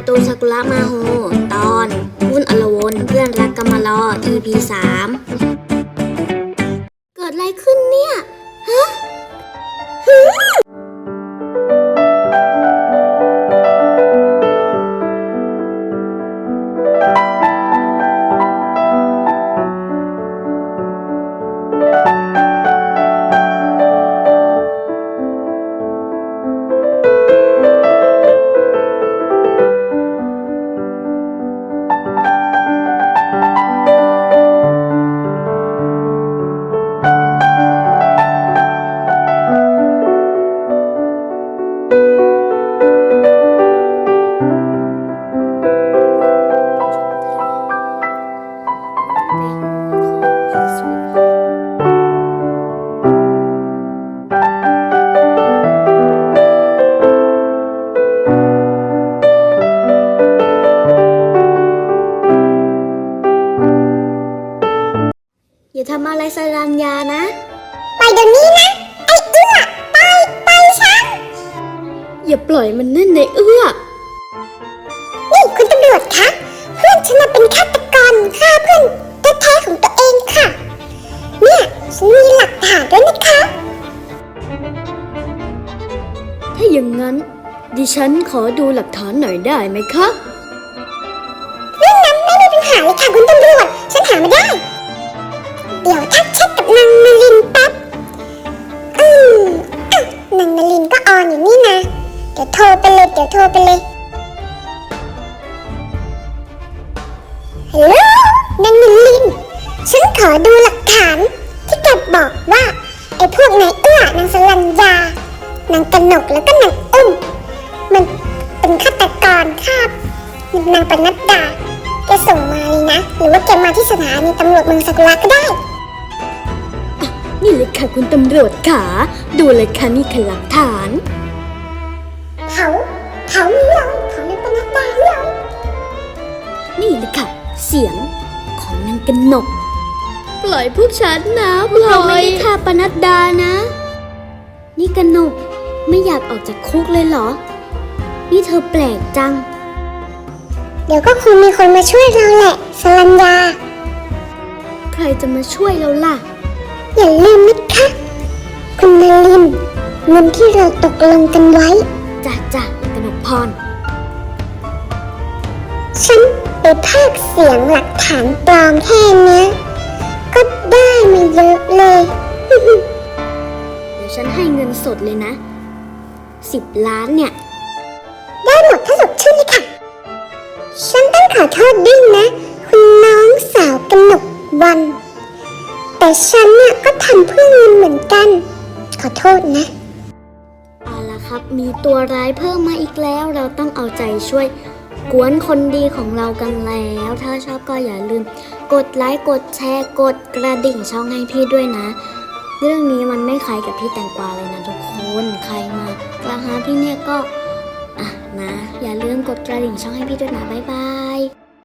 ตูนซากุระมาโฮตอนวุ่นอลวนเพื่อนรักกำมารอ EP 3เกิดอะไรขึ้นเนี่ยฮะอย่าทำอะไรสรัญญานะไปเดี๋ยวนี้นะไอ้เอื้อไปฉันอย่าปล่อยมันนั่นในเอื้อนี่คุณตำรวจคะเพื่อนฉันเป็นฆาตกรฆ่าเพื่อนแท้ๆของตัวเองค่ะเนี่ยฉันมีหลักฐานด้วยนะคะถ้าอย่างนั้นดิฉันขอดูหลักฐานหน่อยได้ไหมคะเรื่องนั้นไม่มีปัญหาเลยค่ะคุณตำรวจฉันหามาได้เดี๋ยวทักแชทกับนางนลินแป๊บนางนลินก็ออนอยู่นี่นะเดี๋ยวโทรไปเลยฮัลโหลนางนลินฉันขอดูหลักฐานที่แกบอกว่าไอ้พวกนายเอื้อนางสรัญญานางกนกแล้วก็นางอุ้มมันเป็นฆาตกรฆ่านางปนัดดาแกส่งมาเลยนะหรือว่าแกมาที่สถานีตำรวจเมืองซากุระก็ได้นี่เลยค่ะคุณตำรวจขาดูเลยค่ะนี่คือหลักฐานเขามีเราเขาในปนัดดาเรานี่เลยค่ะเสียงของนางกนกปล่อยพวกฉันนะปล่อยเราไม่ได้ฆ่าปนัดดานะนี่กนกไม่อยากออกจากคุกเลยเหรอนี่เธอแปลกจังเดี๋ยวก็คงมีคนมาช่วยเราแหละสรัญญาใครจะมาช่วยเราล่ะอย่าลืมนะคะคุณนลินเงินที่เราตกลงกันไว้จ้ะกนกพรฉันไปพากย์เสียงหลักฐานปลอมแค่นี้ก็ได้มาเยอะเลยเดี๋ยวฉันให้เงินสดเลยนะ10 ล้านเนี่ยได้หมดถ้าสดชื่นเลยค่ะฉันต้องขอโทษด้วยนะคุณน้องสาวกนกวันแต่ฉันเนี่ยก็ทำเพื่อเงินเหมือนกันขอโทษนะเอาล่ะครับมีตัวร้ายเพิ่มมาอีกแล้วเราต้องเอาใจช่วยกวนคนดีของเรากันแล้วถ้าชอบก็อย่าลืมกดไลค์กดแชร์กดกระดิ่งช่องให้พี่ด้วยนะเรื่องนี้มันไม่คล้ายกับพี่แตงกวาเลยนะทุกคนใครมากระหาพี่เนี่ยก็นะอย่าลืมกดกระดิ่งช่องให้พี่ด้วยนะบ๊ายบาย